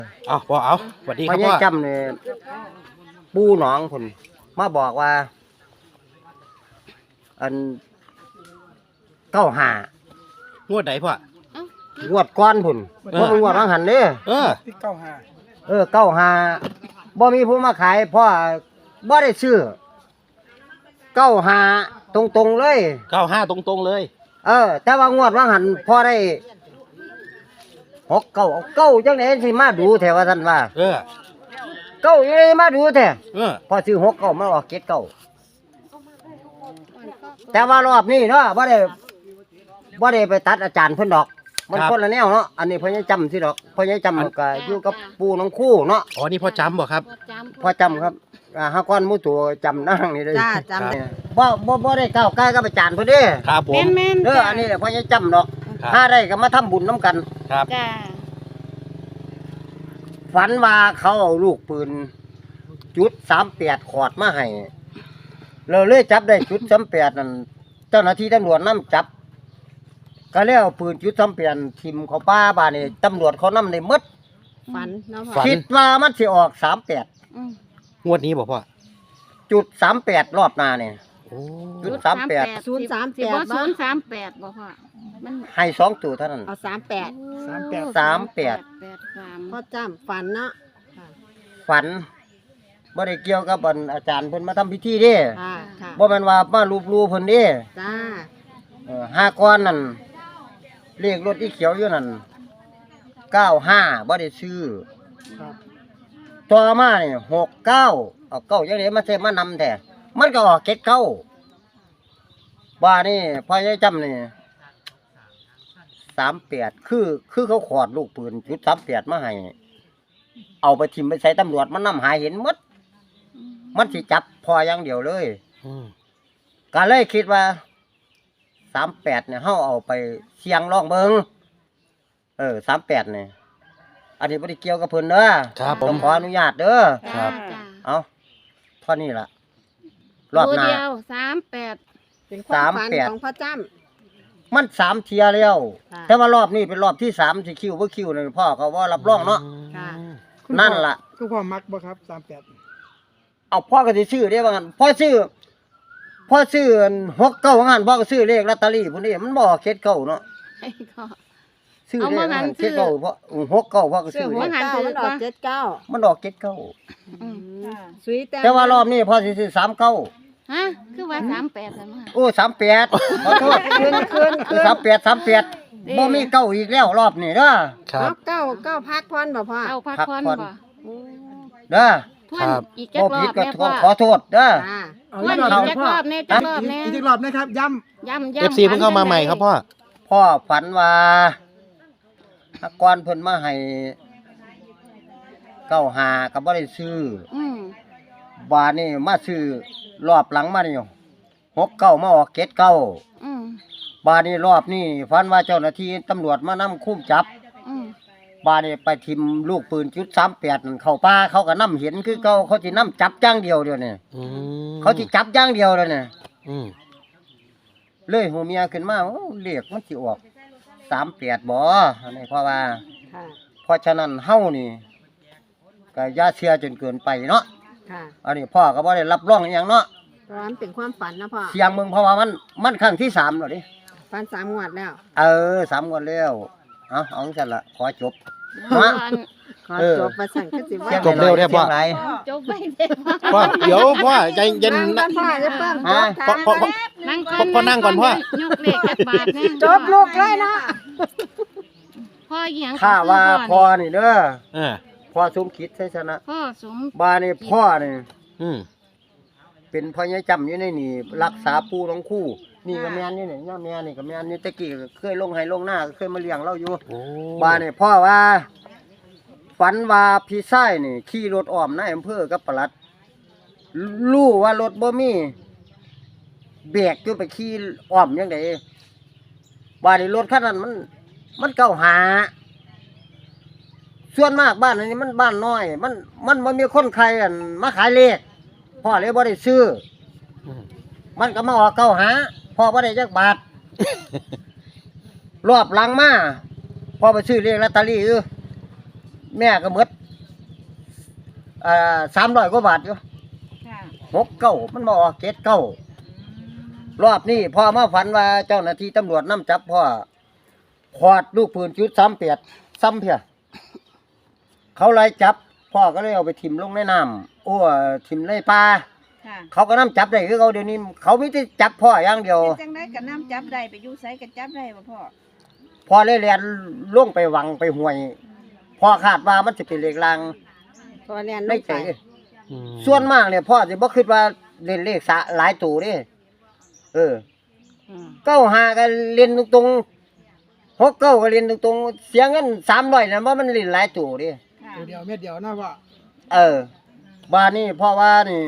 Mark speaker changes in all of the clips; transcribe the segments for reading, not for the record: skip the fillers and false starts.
Speaker 1: เอาพ่อเอาสวัสดีค
Speaker 2: พ่
Speaker 1: รั
Speaker 2: อบ ใหญ่
Speaker 1: พ่อ
Speaker 2: จำเนี่ยปูหนองพุ่นมาบอกว่า อัน95
Speaker 1: งวดไหนพ่อง
Speaker 2: วดก้อนพุ่นบ่เป็นงวดบางหันเด้
Speaker 3: ที่95
Speaker 2: 95บ่มีผู้มาขายพ่อบ่ได้ซื้อ95ตรงๆเลย
Speaker 1: 95ตรงๆเลย
Speaker 2: แต่ว่างวดบางหันพ่อได้6 9จังได๋สิมาดูแท้ว่าซั่นว่า
Speaker 1: เออ
Speaker 2: เก้ายังไงมาดูแท้
Speaker 1: เออ
Speaker 2: พอซื้อ6 9มาออก7 9แต่ว่ารอบนี้เนาะบ่ได้ไปตัดอาจารย์เพิ่นดอก มันคนละแนวเนาะอันนี้พ่อใหญ่จำสิดอกพ่อใหญ่จำก็อยู่กับปู่น้องคู่เนาะ
Speaker 1: อ๋อนี่พ่อจำบ่ครับ
Speaker 2: พ่อจำครับหาก้อนหมู่ตัวจำนั่งนี่เลย
Speaker 4: จ้าจำ
Speaker 2: บ่ได้ก้าวใกล้กับอาจารย์เพิ่นเด้
Speaker 1: ครับผม
Speaker 4: แม่น
Speaker 2: เด้ออันนี้แหละพ่อใหญ่จำดอก
Speaker 1: ครับ
Speaker 2: ถ้าได้ก็มาทำบุญนํกัน
Speaker 1: ครับ
Speaker 4: จ้า
Speaker 2: ฝันว่าเขาเอาลูกปืนจุด38ขอดมาให้เราเลยจับได้จุด38นั่นเจ้าหน้าที่ตำรวจนำจับก็แล้วปืนจุด38ทิ่มเข้าป่าบ้านนี่ตำรวจเขานำได้หมด
Speaker 4: ฝันเนาะพ่อ
Speaker 1: ฝัน
Speaker 2: คิดว่ามันสิออก38
Speaker 4: อืม
Speaker 1: งวดนี้บ่พ่อ
Speaker 2: จุด38รอบหน้านี่
Speaker 1: โอ้
Speaker 2: จุด38
Speaker 4: 038บ่038บ่พ่อมัน
Speaker 2: ให้2ตัวเท่านั้น
Speaker 4: เอา38
Speaker 2: 38
Speaker 4: พ่อจำฝันเนาะ
Speaker 2: ฝันบ่ได้เกี่ยวกับอันอาจารย์เพิ่นมาทำพิธีเด้
Speaker 4: ค่ะค่ะ
Speaker 2: บ่แม่นว่ามารูปๆเพิ่นเด้
Speaker 4: จ้า
Speaker 2: ห้าก้อนนั่นเลขรถอีเขียวอยู่นั่น95บ่ได้ซื้อต่อมานี่69เอาเก้าจังได๋มาใส่มานำแท้มันก็ออก79บ้านี่พ่อใหญ่จำนี่38คือเขาขอดลูกปืนจุด38มาให้เอาไปทิ่มไปใส่ตำรวจมันนำหาเห็นหมดมันสิจับพออย่างเดียวเลย
Speaker 1: อืม
Speaker 2: ก็เลยคิดว่า38เนี่ยเฮาเอาไปเสี่ยงลองเบิ่ง38เนี่ยอันนี้บ่ได้เกี่ยวกับเพิ่นเด้อ
Speaker 1: ครับผ
Speaker 2: ต้อ
Speaker 1: ม
Speaker 2: งขออนุญาตเด้อ
Speaker 1: ครับ
Speaker 4: จ้า
Speaker 2: เอาเท่านี้ล่ะรอบหน้า
Speaker 4: ตัวเดียว38เป็นความฝันของพ่อจำ
Speaker 2: มัน3เที่ยแล้ว
Speaker 4: ค่ะ
Speaker 2: แต่ว่ารอบนี้เป็นรอบที่3สิคิวบ่คิวนั่นพ่อเขาว่ารับรองเนาะ
Speaker 4: ค่ะ
Speaker 2: นั่นล่ะ
Speaker 3: คุณพ่อมักบ่ครับ38
Speaker 2: เอาพ่อก็สิซื้อเด้ว่างั้นพ่อซื้อ69ว่างั้นพ่อก็ซื้อเลขลอตเตอรี่พุ่นนี่มันบ่เข็ดเก้าเนาะ
Speaker 4: ไอ้ก็
Speaker 2: ซื้อ
Speaker 4: เอา
Speaker 2: เล
Speaker 4: มา
Speaker 2: ข
Speaker 4: งั้น
Speaker 2: เข็ดเก้าเพราะ69พ่อก็ซื้อ
Speaker 4: ซื้อ
Speaker 2: เล
Speaker 4: หัว
Speaker 2: ข
Speaker 4: หันมันออก79
Speaker 2: มันออก79
Speaker 4: อืมสุย
Speaker 2: แต่ว่ารอบนี้พ่อสิซื้อ39
Speaker 4: ฮะคือว่า38ซั่นว่า
Speaker 2: โอ้38ขอโทษคือ38บ่มีเก้าอีกแล้วรอบนี้เด้อ
Speaker 1: ครับ
Speaker 4: เก้าพักพรบ่พ่อ
Speaker 2: เอาพักผ่อน
Speaker 4: บ่
Speaker 2: เด้อ
Speaker 4: ทว
Speaker 1: ครั
Speaker 4: น
Speaker 1: บ
Speaker 4: อีกจัก
Speaker 2: บ่
Speaker 4: รอ
Speaker 2: ผิด
Speaker 4: บ
Speaker 2: ก็
Speaker 4: แม่พ่อ
Speaker 2: ขอโทษเด้อ
Speaker 4: อ่า
Speaker 3: เอา
Speaker 4: ทวน
Speaker 3: อี
Speaker 4: อี
Speaker 3: กรอบ
Speaker 4: กจักรอบแน่จักรอบแน่
Speaker 3: อีกรอบนะครับย้
Speaker 4: ย้ำ
Speaker 1: เอฟซีเพิ่งเข้ามาใหม่ครับพ่อ
Speaker 2: พ่อฝันว่าก่อนเพิ่นมาให้95ก็บ่ได้ซื้อ
Speaker 4: อืม
Speaker 2: บาดนี้มาซื้อรอบหลังมานี่69มาออก79
Speaker 4: อืม
Speaker 2: บาดนี้รอบนี้ฝันว่าเจ้าหน้าที่ตำรวจมานำคุมจับ
Speaker 4: อืม
Speaker 2: บาดนี้ไปทิ่มลูกปืนจุด38นั่นเข้าป่าเขาก็นำเห็นคือเขาสินำจับอย่างเดียวเดี๋ยวนี้
Speaker 1: อืม
Speaker 2: เขาสิจับอย่างเดียวแล้วนี่
Speaker 1: อืม
Speaker 2: เลยหูเมียขึ้นมาโอ้เลขมันสิออก38บ่อันนี้เพราะว่า
Speaker 4: ค่ะ
Speaker 2: เพราะฉะนั้นเฮานี่ก็อย่าเชื่อจนเกินไปเนาะ
Speaker 4: ค่ะ
Speaker 2: อันนี้พ่อก็บ่ได้รับรองอหยังเนาะ
Speaker 4: เพราะว่ามันเป็นความฝันนะพ่อ
Speaker 2: เสียงมึงเพราะว่ามันครั้งที่3แล้วดิ
Speaker 4: ฝัน3งวดแล้ว
Speaker 2: 3งวดแล้วเอาจังซั่นล่ะขอจบ
Speaker 4: ฝั
Speaker 2: ฮะ
Speaker 4: นขอจบประสันก็สิว่า
Speaker 1: จบเร็วแท้พ่อ
Speaker 2: สียงหลาย
Speaker 4: จบไม่ได้
Speaker 1: พ่อเดี๋ยวพ่อใจเย็น
Speaker 4: นั่
Speaker 1: นะ
Speaker 4: งก่อนพ่อจะเพิ่ม
Speaker 2: ฮะ
Speaker 1: พ่อ
Speaker 4: นั่ง
Speaker 1: พ่อนั่งก่อนพ่อ
Speaker 4: ยกเลขจักบาทนะจบลูกเลยเนาะพ่อเหียง
Speaker 2: ถ้าว่าพ่อนี่เด้อ
Speaker 1: เออ
Speaker 2: พ่อสมคิดใช่ชนะ
Speaker 4: พ่อสม
Speaker 2: บ้านนี่พ่อนี่
Speaker 1: อืม
Speaker 2: เป็นพ่อใหญ่จำอยู่ในนี่รักษาปู่น้องคู่ นี่ก็แม่นนี่นี่ย่าแม่นี่ก็แม่นนี่ตะกี้ก็เคยลงให้ลงหน้าก็เคยมาเลี้ยงเราอยู่
Speaker 1: โอ้
Speaker 2: บ้านนี่พ่อว่า ฝันว่าพี่ชายนี่ขี่รถอ้อมในอำเภอกับปลัดรู้ว่ารถบ่มีเบรกอยู่ไปขี่อ้อมยังไงบ้านนี่รถคันนั้นมันเก่าหา ส่วนมากบ้านอันนี้มันบ้านน้อย มันบ่มีคนใครอันมาขายเลขพ่อเลยบ่ได้ซื้อ
Speaker 1: อืม
Speaker 2: มันก็มาออกเก่าหาพ่อบ่ได้จักบาท รอบหลังมาพ่อไปซื้อเลขลอตเตอรี่แม่ก็หมด300 กว่าบาทอยู่
Speaker 4: ค่ะ
Speaker 2: 69มันบ่ออก79รอบนี้พ่อมาฝันว่าเจ้าหน้าที่ตำรวจนำจับพ่อขอดลูกปืนจุด38ซ้ำเพียเขาไล่จับพ่อก็เลยเอาไปทิ่มลงในน้ำทิ่มในป่า
Speaker 4: ค่ะ
Speaker 2: เขาก็นำจับได้คือเขาเดี๋ยวนี้เขามีแต่จับพ่ออย่างเดียว
Speaker 4: เป็นจังได๋ก็น้ำจับได้ไปอยู่ไสก็จับได้บ่พ่อ
Speaker 2: พ่อเลยเรียนลงไปวังไปห้วยพ่อคาดว่ามันสิเป็นเลขลาง
Speaker 5: เพราะว่าเรียนล
Speaker 2: ได้
Speaker 5: ง
Speaker 2: ใจ
Speaker 5: ไป
Speaker 1: อืม
Speaker 2: ส่วนมากเนี่ยพ่อสิบ่คิดว่าเล่นเลขหลายตัวเด้95ก็เล่นตรงๆ69ก็เล่นตรงๆเสียเงิน300น่ะว่ามันเล่นหลายตัวเด้
Speaker 4: ค่ะ
Speaker 3: ตัวเดียวเม็ดเดียวนะพ่อ
Speaker 2: บ้านนี้เพราะว่านี่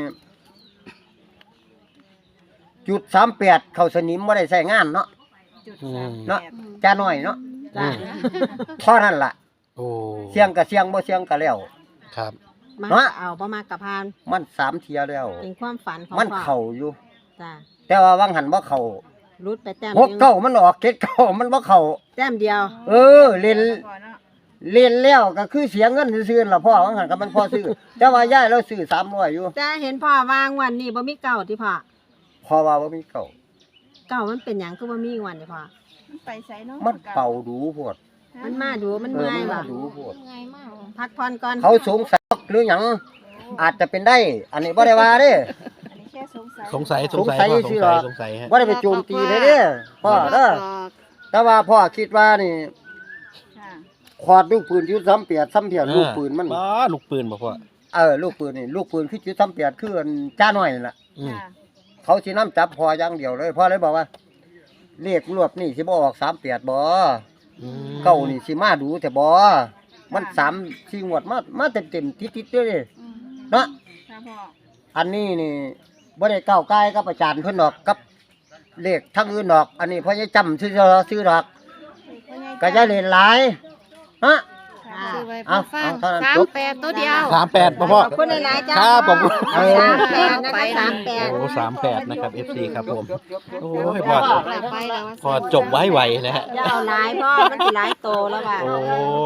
Speaker 2: จุด38เข้าสนิมบ่ได้ใช้งานเนาะ
Speaker 4: จุด
Speaker 2: เนาะ
Speaker 4: 38
Speaker 2: จ้าน้อยเนาะ
Speaker 1: อืม
Speaker 2: เท่านั้นล่ะ
Speaker 1: โอ้
Speaker 2: เสียงก็เสียงบ่เสียงก็แล้ว
Speaker 1: ครับ
Speaker 5: มา
Speaker 2: เนาะ
Speaker 5: เอาบ่มากกับพาน
Speaker 2: มัน3เที่ยแล้ว
Speaker 5: เป็นความฝันของ
Speaker 2: มัน
Speaker 5: พ่อ
Speaker 2: เข้าอยู่
Speaker 5: จ้า
Speaker 2: แต่ว่าวังหันบ่เข้า
Speaker 5: รุดไปแต้ม
Speaker 2: 69มันออก79มันบ่เข้า
Speaker 5: แต้มเดียว
Speaker 2: เล่น
Speaker 4: พ่อเนาะ
Speaker 2: เล่นแล้วก็คือเสียเงินซื่อๆล่ะพ่อวังหันก็มันพอซื้อ แต่ว่ายายเราซื้อ300อยู่
Speaker 5: จ้าเห็นพ่อวางวันนี้บ่มีเก่าที่พ่อ
Speaker 2: เพราะว่าบ่มีเก่า
Speaker 5: เก่ามันเป็นหยังคือบ่มีวันที่พ่อ
Speaker 4: มันไปไสเนาะ
Speaker 2: มันเป่าดูโพด
Speaker 5: มันมาดูมัน
Speaker 2: เออ
Speaker 5: เมื่อย
Speaker 2: มัน
Speaker 5: บ่
Speaker 2: มาดูโพด
Speaker 5: พักผ่อนก่อน
Speaker 2: เขาสงสัยหรือหยังอาจจะเป็นได้ อันนี้บ่ได้ว่าเด้
Speaker 4: อันนี้แค่สงสัย
Speaker 1: สงสัย
Speaker 2: สงสัย
Speaker 1: พ่อ
Speaker 2: สิหรอ
Speaker 1: สงสัยฮะ
Speaker 2: บ่ได้ไปโจมตีเลยเด้พ่อเด้อแต่ว่าพ่อคิดว่านี่
Speaker 4: ค่ะ
Speaker 2: ขอดลูกปืนจุด38ซ้ำเพียลูกปืนมัน
Speaker 1: บ้าลูกปืนบ่พ่อ
Speaker 2: ลูกปืนนี่ลูกปืนคือจุด38คืออันจ้าน้อยนั่นล่ะ
Speaker 1: อืม
Speaker 4: ค่ะ
Speaker 2: เขาสินำจับพ่ออย่างเดียวเลยพ่อเลยบอกว่าเลขรวบนี่สิบ่ออก38บ่
Speaker 1: อืม
Speaker 2: เก้านี่สิมาดูแต่บ่มัน3-4งวดมาเต็มๆติดๆเด้อ
Speaker 4: อืม
Speaker 2: เนาะ
Speaker 4: ค่ะพ่อ
Speaker 2: อันนี้นี่บ่ได้ก้าวไกลกับอาจารย์เพิ่นดอกกับเลขทั้งอื่นดอก อันนี้พ่อจะจำซื้อดอกก็จะเล่นหลายฮะ
Speaker 4: ค่ะ
Speaker 5: ซื้อ
Speaker 2: เอาเท่านั้นจบ
Speaker 5: ตัวเดียว
Speaker 1: 38บ่พ่อ
Speaker 5: ขอบคุณหลายๆจ้า
Speaker 1: ครับผม
Speaker 2: เออ
Speaker 5: 38นะคะ38
Speaker 1: โอ้38นะครับ FC ครับผม โอ้ย
Speaker 5: พ่
Speaker 1: พ่
Speaker 5: อ
Speaker 1: อ
Speaker 5: ไปแล้ว
Speaker 1: พอจบไว้ไวนะฮะ
Speaker 5: อย่าเอาหลายพ่อมันสิหลายโตแล้วว่ะ
Speaker 1: โอ้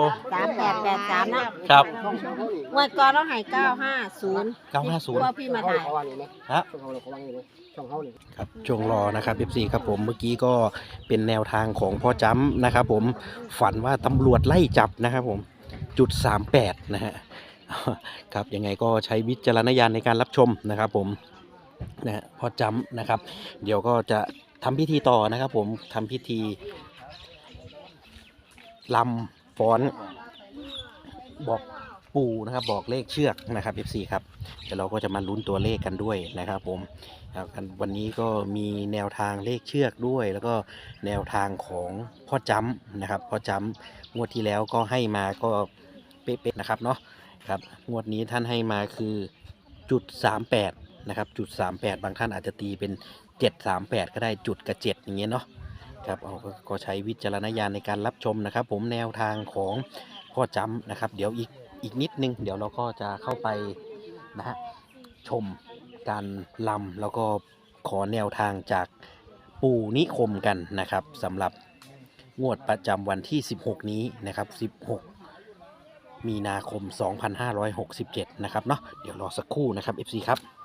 Speaker 5: 3883นะครับ งวดก่อนเราให้950
Speaker 1: 950
Speaker 5: พ่อพี่มาถ่าย
Speaker 1: ฮะครับช่วงรอนะครับ FC ครับผมเมื่อกี้ก็เป็นแนวทางของพ่อจ้ำนะครับผมฝันว่าตำรวจไล่จับนะครับผมจุด38นะฮะครับยังไงก็ใช้วิจารณญาณในการรับชมนะครับผมนะฮะพ่อจ้ำนะครับ เดี๋ยวก็จะทำพิธีต่อนะครับผมทำพิธีลำฟ้อนบอกปู่นะครับบอกเลขเชือกนะครับ FC ครับเดี๋ยวเราก็จะมาลุ้นตัวเลขกันด้วยนะครับผมครับวันนี้ก็มีแนวทางเลขเชือกด้วย แล้วก็แนวทางของพ่อจ้ำนะครับพ่อจ้ำงวดที่แล้วก็ให้มาก็เป๊ะๆนะครับเนาะครับงวดนี้ท่านให้มาคือจุด38นะครับจุด38บางท่านอาจจะตีเป็น738ก็ได้จุดกับ7อย่างเงี้ยเนาะครับเอาก็ใช้วิจารณญาณในการรับชมนะครับ ผมแนวทางของพ่อจ้ำนะครับเดี๋ยวอีกนิดนึงเดี๋ยวเราก็จะเข้าไปนะฮะชมการลำแล้วก็ขอแนวทางจากปู่นิคมกันนะครับสำหรับงวดประจำวันที่16นี้นะครับ16มีนาคม2567นะครับเนาะเดี๋ยวรอสักครู่นะครับ FC ครับ